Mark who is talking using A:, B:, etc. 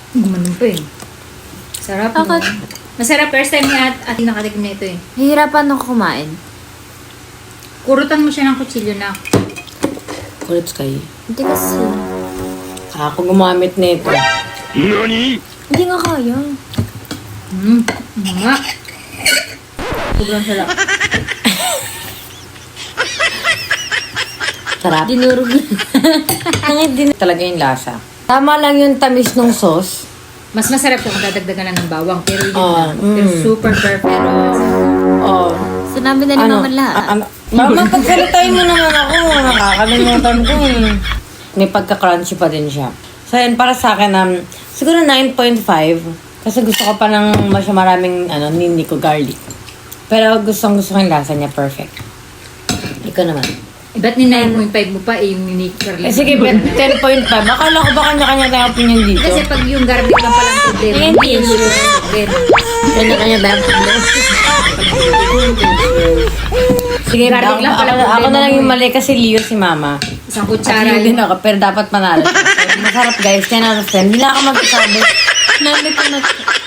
A: Gumanon pa eh. Sarap no?
B: Bakit?
A: Masarap. First time ni ate nakatikim na ito eh.
B: Hihirapan ako kumain.
A: Kurutan mo siya ng kutsilyo na.
C: Kulits kayo.
B: Hindi kasi.
C: Ako gumamit nito.
B: Hindi nga kaya.
A: Nga. Sobrang sarap.
C: Sarap.
B: Dinurog na.
C: Talaga yung lasa. Tama lang yung tamis ng sauce.
A: Mas masarap kung dadagdagan na ng bawang. Pero yun
C: Ah,
A: lang. Pero super perfect. Pero
C: Oh.
B: Sinabi na ni Mama lahat.
C: Mama, pagkalitain mo naman ako. Nakakalimutan ko eh. May pagka-crunchy pa din siya. So yun, para sa akin, siguro 9.5. Kasi gusto ko pa ng maraming nini ko garlic. Pero gusto ko yung lasa niya. Perfect. Ikaw naman.
A: ba't ni 9.5 mo pa eh, yung ni Carlin?
C: Sige, 10.5. Akala ko ba kanya-kanya tayong opinion dito?
A: Kasi pag yung garlic lang palang problema, hindi yung problema.
C: Kanya-kanya tayong opinion. Sige,
A: Garlic lang pala
C: ako
A: problema
C: na lang
A: mo
C: yung
A: eh.
C: mali kasi Leo si Mama.
A: Isang
C: At
A: kutsara
C: Leo din ako, pero dapat manalo. Masarap guys, 10 out of 10. Hindi na ako magsasabi.
B: Sinabi ko na.